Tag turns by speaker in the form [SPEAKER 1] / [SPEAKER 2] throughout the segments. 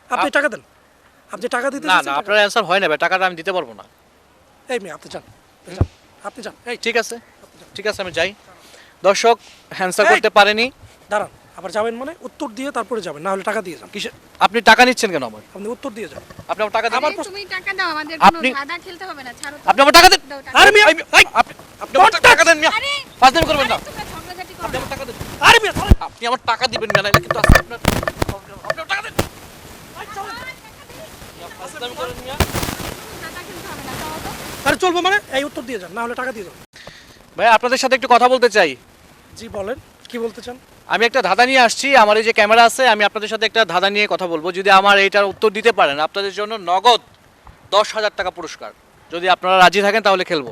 [SPEAKER 1] আপনি টাকা দেন। আপনি টাকা দিতে
[SPEAKER 2] না না, আপনার অ্যান্সার হয় না ভাই, টাকাটা আমি দিতে পারবো না।
[SPEAKER 1] এই মেয়ে আপনি যান, যান, আপনি যান। এই
[SPEAKER 2] ঠিক আছে, ঠিক আছে, আমি যাই। দর্শক অ্যান্সার করতে পারেনি।
[SPEAKER 1] দাঁড়ান, আবার যাবেন মানে উত্তর দিয়ে তারপরে যাবেন, না হলে টাকা দিয়ে যান।
[SPEAKER 2] কিসে আপনি টাকা নিচ্ছেন কেন আমার?
[SPEAKER 1] আপনি উত্তর দিয়ে যান।
[SPEAKER 2] আপনি আমার টাকা দেন।
[SPEAKER 1] আমার
[SPEAKER 3] তুমি টাকা দাও, আমাদের কোনো
[SPEAKER 2] আপনি-
[SPEAKER 3] ধাঁধা খেলতে হবে না, ছাড়ো তো।
[SPEAKER 2] আপনি আমার টাকা দেন।
[SPEAKER 3] দাও টাকা।
[SPEAKER 1] আরে মিয়া,
[SPEAKER 2] আপনি আমার টাকা দেন মিয়া।
[SPEAKER 3] আরে
[SPEAKER 2] ফাজলামি করবেন না।
[SPEAKER 3] তোমরা ঝগড়াঝাটি করো
[SPEAKER 2] আপনি
[SPEAKER 3] না।
[SPEAKER 2] আমার টাকা দেন।
[SPEAKER 1] আরে মিয়া ধরেন।
[SPEAKER 2] আপনি আমার টাকা দিবেন না, নাহলে কিন্তু আজকে আপনার আপনি আমার টাকা দেন। মিয়া, ফাজলামি করেন মিয়া।
[SPEAKER 3] ধাঁধা খেলতে হবে না, দাও তো।
[SPEAKER 1] আরে চলবো মানে এই উত্তর দিয়ে যান, না হলে টাকা দিয়ে যান।
[SPEAKER 2] ভাই আপনাদের সাথে একটু কথা বলতে চাই।
[SPEAKER 1] জি বলেন, কি বলতে চান?
[SPEAKER 2] আমি একটা ধাঁধা নিয়ে আসছি, আমার এই যে ক্যামেরা আছে, আমি আপনাদের সাথে একটা ধাঁধা নিয়ে কথা বলবো। যদি আমার এইটার উত্তর দিতে পারেন, আপনাদের জন্য নগদ 10,000 টাকা পুরস্কার। যদি আপনারা রাজি থাকেন তাহলে খেলবো।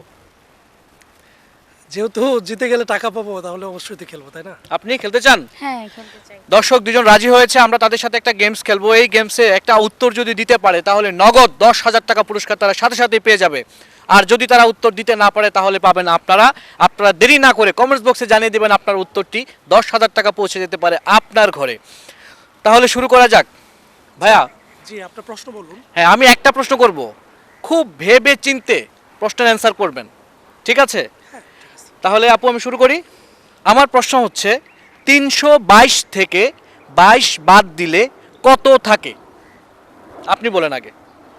[SPEAKER 1] যেহেতু জিতে গেলে টাকা পাবো, তাহলে অবশ্যই তো খেলবো, তাই না?
[SPEAKER 2] আপনি খেলতে চান?
[SPEAKER 3] হ্যাঁ, খেলতে চাই।
[SPEAKER 2] দর্শক দুজন রাজি হয়েছে, আমরা তাদের সাথে একটা গেমস খেলবো। এই গেমসে একটা উত্তর যদি দিতে পারে তাহলে নগদ 10,000 টাকা পুরস্কার তারা সাথে সাথেই পেয়ে যাবে। আর যদি তারা উত্তর দিতে না পারে তাহলে পাবেন আপনারা দেরি না করে কমেন্টস বক্সে জানিয়ে দেবেন আপনার উত্তরটি। 10,000 টাকা পৌঁছে যেতে পারে আপনার ঘরে। তাহলে শুরু করা যাক। ভাইয়া,
[SPEAKER 1] জি আপনার প্রশ্ন বলুন।
[SPEAKER 2] হ্যাঁ, আমি একটা প্রশ্ন করব, খুব ভেবে চিন্তে প্রশ্নের অ্যান্সার করবেন, ঠিক আছে? তাহলে আপু আমি শুরু করি। আমার প্রশ্ন হচ্ছে 322 থেকে 22 বাদ দিলে কত থাকে? আপনি বলেন আগে।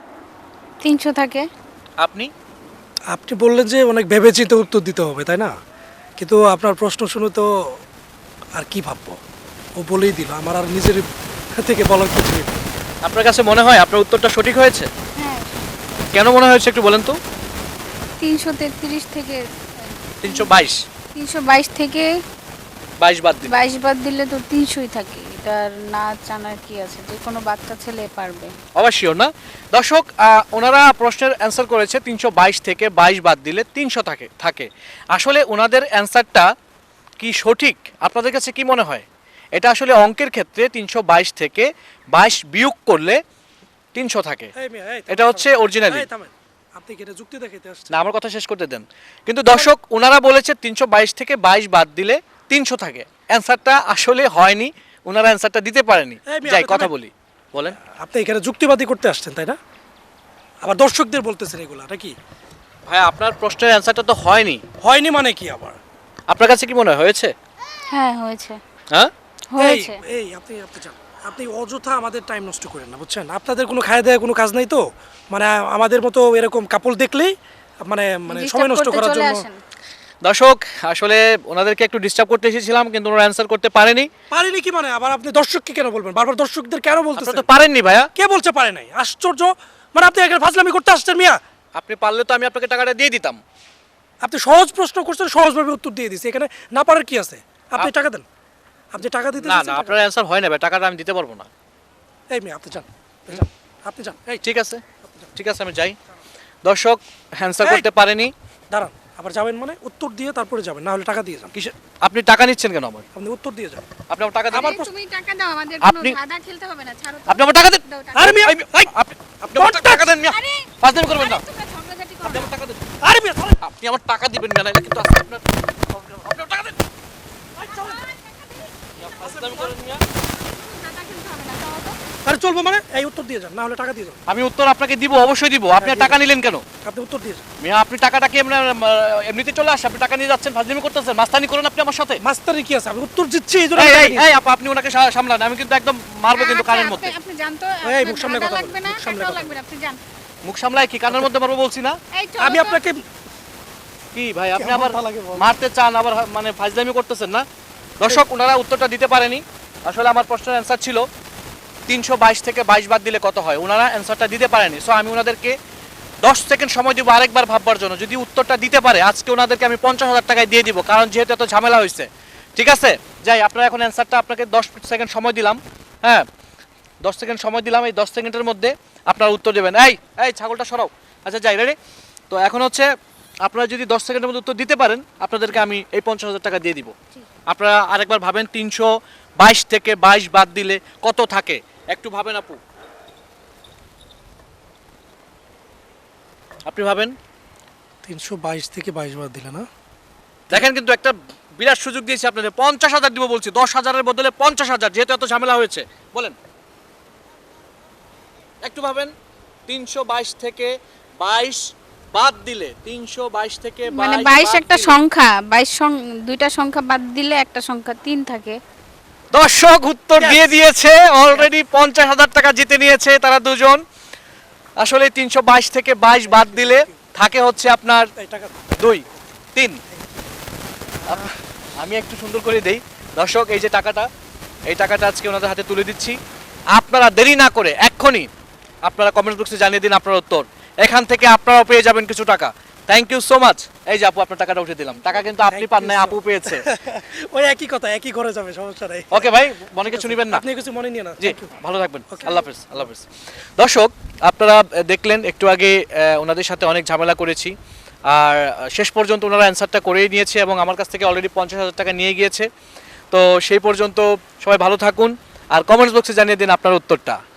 [SPEAKER 3] 300 থাকে।
[SPEAKER 2] আপনি?
[SPEAKER 1] আপনি বললেন যে অনেক ভেবেচিন্তে উত্তর দিতে হবে, তাই না? কিন্তু আপনার প্রশ্ন শুনে তো আর কি ভাববো, ও বলেই দিল, আমার আর নিজের থেকে বলার কিছু নেই।
[SPEAKER 2] আপনার কাছে মনে হয় আপনার উত্তরটা সঠিক হয়েছে?
[SPEAKER 3] হ্যাঁ,
[SPEAKER 2] কেন মনে হয়েছে একটু বলেন তো?
[SPEAKER 3] 333 থেকে
[SPEAKER 2] 322
[SPEAKER 3] 322 থেকে
[SPEAKER 2] 22 বাদ দিন।
[SPEAKER 3] 22 বাদ দিলে তো 300ই থাকে। এটার না জানার কি আছে, যে কোনো বাচ্চা ছেলে পারবে।
[SPEAKER 2] অবশ্যই না। দর্শক ওনারা প্রশ্নের অ্যান্সার করেছে 322 থেকে 22 বাদ দিলে 300 থাকে। আসলে ওনাদের অ্যান্সারটা কি সঠিক? আপনাদের কাছে কি মনে হয়? এটা আসলে অঙ্কের ক্ষেত্রে 322 থেকে 22 বিয়োগ করলে 300 থাকে।
[SPEAKER 1] এই মেয়ে, এই থামেন,
[SPEAKER 2] এটা হচ্ছে
[SPEAKER 1] থামেন।
[SPEAKER 2] অরিজিনালি।
[SPEAKER 1] এই থামেন। আপনি কি এটা যুক্তি দেখাইতে আসছেন?
[SPEAKER 2] না, আমার কথা শেষ করতে দেন। কিন্তু দর্শক ওনারা বলেছে 322 থেকে 22 বাদ দিলে 300 থাকে। অ্যান্সারটা আসলে হয়নি, ওনারা অ্যান্সারটা দিতে পারেনি।
[SPEAKER 1] এই মেয়ে,
[SPEAKER 2] যাই
[SPEAKER 1] আপনি
[SPEAKER 2] কথা
[SPEAKER 1] থামেন।
[SPEAKER 2] বলি, বলেন।
[SPEAKER 1] আপনি এখানে যুক্তিবাদী করতে আসছেন, তাই না? আবার দর্শকদের বলতেছেন এগুলা নাকি?
[SPEAKER 2] ভাই আপনার প্রশ্নের অ্যান্সারটা তো হয়নি।
[SPEAKER 1] হয়নি মানে কি আবার?
[SPEAKER 2] আপনার কাছে কি মনে হয় হয়েছে?
[SPEAKER 3] হ্যাঁ, হয়েছে।
[SPEAKER 2] হ্যাঁ,
[SPEAKER 3] হয়েছে।
[SPEAKER 1] এই আপনি যান। আপনি অযথা আমাদের টাইম নষ্ট করেন না, বুঝছেন? আপনাদের কোনো খায় দেয় কোনো কাজ নাই তো, মানে আমাদের মতো এরকম কাপড় দেখলেই মানে
[SPEAKER 3] Disturb
[SPEAKER 1] সময় নষ্ট
[SPEAKER 3] করতে
[SPEAKER 1] করার
[SPEAKER 3] চলে
[SPEAKER 1] জন্য।
[SPEAKER 3] আসেন।
[SPEAKER 2] দর্শক আসলে ওনাদেরকে একটু ডিস্টার্ব করতে এসেছিলাম, কিন্তু ওনারা অ্যান্সার করতে পারেনি।
[SPEAKER 1] পারেনি কি মানে? আবার আপনি দর্শককে কেন বলবেন? বারবার দর্শকদের কেন
[SPEAKER 2] আপনারা
[SPEAKER 1] বলতেছেন?
[SPEAKER 2] তো পারেননি ভাইয়া।
[SPEAKER 1] কে বলছে পারে নাই? আশ্চর্য! মানে আপনি এখানে ফাজলামি করতে আসছেন মিয়া।
[SPEAKER 2] আপনি পারলে তো আমি আপনাকে টাকাটা দিয়ে দিতাম।
[SPEAKER 1] আপনি সহজ প্রশ্ন করছেন, সহজভাবে উত্তর দিয়ে দিছি, এখানে না পারার কি আছে? আপনি টাকা দেন। আপনি টাকা দিতে
[SPEAKER 2] না
[SPEAKER 1] চাচ্ছেন,
[SPEAKER 2] না,
[SPEAKER 1] টাকা
[SPEAKER 2] আপনার অ্যান্সার হয় না ভাই, টাকাটা আমি দিতে পারবো না।
[SPEAKER 1] দেন। এই মিয়া আপনি যান, যান, আপনি যান। এই
[SPEAKER 2] ঠিক আছে, ঠিক আছে, আমি যাই। দর্শক অ্যান্সার
[SPEAKER 1] এই!
[SPEAKER 2] করতে পারেনি।
[SPEAKER 1] দাঁড়ান, আবার যাবেন মানে উত্তর দিয়ে তারপরে যাবেন, না হলে টাকা দিয়ে যান।
[SPEAKER 2] কিসে আপনি টাকা নিচ্ছেন কেন আমার?
[SPEAKER 1] আপনি উত্তর দিয়ে যান।
[SPEAKER 2] আপনি আমার টাকা দেন।
[SPEAKER 1] আমার
[SPEAKER 3] আরে তুমি টাকা দাও, আমাদের কোনো
[SPEAKER 2] আপনি-
[SPEAKER 3] ধাঁধা খেলতে হবে না, ছাড়ো তো।
[SPEAKER 2] আপনি আমার টাকা দেন।
[SPEAKER 3] দাও টাকা।
[SPEAKER 1] আরে মিয়া,
[SPEAKER 2] আপনি আমার টাকা দেন মিয়া।
[SPEAKER 3] আরে
[SPEAKER 2] ফাজলামি করবেন না।
[SPEAKER 3] তোমরা ঝগড়াঝাটি করো
[SPEAKER 2] আপনি
[SPEAKER 3] না।
[SPEAKER 2] আমার টাকা দেন।
[SPEAKER 1] আরে মিয়া ধরেন।
[SPEAKER 2] আপনি আমার টাকা দিবেন না, নাহলে কিন্তু আজকে আপনার আপনি আমার টাকা দেন। মিয়া, ফাজলামি করেন মিয়া।
[SPEAKER 3] ধাঁধা খেলতে হবে না, দাও তো।
[SPEAKER 1] আরে চলবো মানে এই উত্তর দিয়ে যান, না হলে টাকা দিয়ে যান।
[SPEAKER 2] আমি উত্তর আপনাকে দিব, অবশ্যই দিব। আপনি
[SPEAKER 1] হ্যাঁ,
[SPEAKER 2] টাকা নিলেন কেন?
[SPEAKER 1] আপনি উত্তর দিয়ে যান।
[SPEAKER 2] মিয়া, আপনি টাকাটা কি এমনিতে চলে আসে? আপনি টাকা নিয়ে যাচ্ছেন, ফাজলামি করতেছেন, মাস্তানি করেন আপনি আমার সাথে।
[SPEAKER 1] মাস্টারি কি আছে? আমি উত্তর দিচ্ছি, এই জন্য
[SPEAKER 2] এই
[SPEAKER 1] টাকা
[SPEAKER 2] এই
[SPEAKER 1] নিয়েছি।
[SPEAKER 2] এই আপা, আপনি ওনাকে সামলান, আমি কিন্তু একদম মারবো কিন্তু
[SPEAKER 3] আচ্ছা,
[SPEAKER 2] কানের মধ্যে।
[SPEAKER 3] আপনি জানতো
[SPEAKER 1] এই, মুখ সামলে কথা বলেন,
[SPEAKER 3] লাগবে না,
[SPEAKER 1] মুখ সামলে
[SPEAKER 3] টাকাও
[SPEAKER 1] কথা
[SPEAKER 3] লাগবে না, আপনি যান।
[SPEAKER 2] মুখ সামলায় কি কানের মধ্যে মারবো বলছি না?
[SPEAKER 3] এই চলো
[SPEAKER 1] আমি
[SPEAKER 3] তো।
[SPEAKER 1] আপনাকে
[SPEAKER 2] কি ভাই আপনি
[SPEAKER 1] কেমন
[SPEAKER 2] আবার
[SPEAKER 1] তা লাগে বল?
[SPEAKER 2] মারতে চান, আবার মানে ফাজলামি করতেছেন না? দর্শক ওনারা উত্তরটা দিতে পারেনি। আসলে আমার প্রশ্নের অ্যান্সার ছিল 322 থেকে 22 বাদ দিলে কত হয়। ওনারা অ্যান্সারটা দিতে পারেনি। সো আমি ওনাদেরকে 10 সেকেন্ড সময় দিব আরেকবার ভাববার জন্য। যদি উত্তরটা দিতে পারে আজকে ওনাদেরকে আমি 50,000 টাকায় দিয়ে দিব, কারণ যেহেতু এত ঝামেলা হয়েছে। ঠিক আছে, যাই, আপনারা এখন অ্যান্সারটা, আপনাকে 10 সেকেন্ড সময় দিলাম। হ্যাঁ, 10 সেকেন্ড সময় দিলাম। এই 10 সেকেন্ডের মধ্যে আপনারা উত্তর দেবেন। এই এই ছাগলটা সরাও। আচ্ছা যাই, রেডি? তো এখন হচ্ছে আপনারা যদি 10 সেকেন্ডের মধ্যে উত্তর দিতে পারেন আপনাদেরকে আমি এই 50,000 টাকা দিয়ে দিব। আপনারা আরেকবার ভাবেন 322 থেকে 22 বাদ দিলে কত থাকে, একটু ভাবেন আপু, আপনি ভাবেন।
[SPEAKER 1] 322 থেকে 22 বার দিলে না?
[SPEAKER 2] দেখেন কিন্তু একটা বিরাট সুযোগ দিয়েছি আপনাদের, 50,000 দিব বলছি, 10,000-এর বদলে 50,000, যেহেতু এত ঝামেলা হয়েছে। বলেন একটু ভাবেন 322 থেকে 22 বাদ দিলে 322 থেকে 22
[SPEAKER 3] মানে 22
[SPEAKER 2] বাদ
[SPEAKER 3] একটা
[SPEAKER 2] দিলে-
[SPEAKER 3] সংখ্যা 22 দুইটা সংখ্যা বাদ দিলে একটা সংখ্যা 3 থাকে।
[SPEAKER 2] দর্শক উত্তর দিয়ে দিয়েছে, অলরেডি 50,000 টাকা জিতে নিয়েছে তারা দুজন। আসলে 322 থেকে 22 বাদ দিলে থাকে হচ্ছে আপনার
[SPEAKER 1] এই টাকা
[SPEAKER 2] 2 3। আমি একটু সুন্দর করে দেই দর্শক, এই যে টাকাটা, এই টাকাটা আজকে ওনাদের হাতে তুলে দিচ্ছি। আপনারা দেরি না করে এক্ষুনি আপনারা কমেন্ট বক্সে জানিয়ে দিন আপনার উত্তর। এখান থেকে আপনারাও পেয়ে যাবেন কিছু টাকা। Thank you so much. এই যে আপু, আপনার টাকাটা উঠে দিলাম। টাকা কিন্তু আপনি
[SPEAKER 1] Thank
[SPEAKER 2] পান
[SPEAKER 1] you
[SPEAKER 2] নাই,
[SPEAKER 1] so
[SPEAKER 2] আপু পেয়েছে।
[SPEAKER 1] ওই একই কথা, একই ঘরে যাবে, সমস্যা নাই।
[SPEAKER 2] ওকে ভাই, মনে কিছু নেবেন না।
[SPEAKER 1] আপনি কিছু মনে নিয়ে না।
[SPEAKER 2] জি,
[SPEAKER 1] Thank you.
[SPEAKER 2] ভালো থাকবেন।
[SPEAKER 1] Okay.
[SPEAKER 2] আল্লাহ হাফেজ, আল্লাহ হাফেজ। দর্শক, আপনারা দেখলেন একটু আগে ওনাদের সাথে অনেক ঝামেলা করেছি, আর শেষ পর্যন্ত ওনারা অ্যান্সারটা করেই নিয়েছে এবং আমার কাছ থেকে অলরেডি 50,000 টাকা নিয়ে গিয়েছে। তো সেই পর্যন্ত সবাই ভালো থাকুন আর কমেন্টস বক্সে জানিয়ে দিন আপনার উত্তরটা।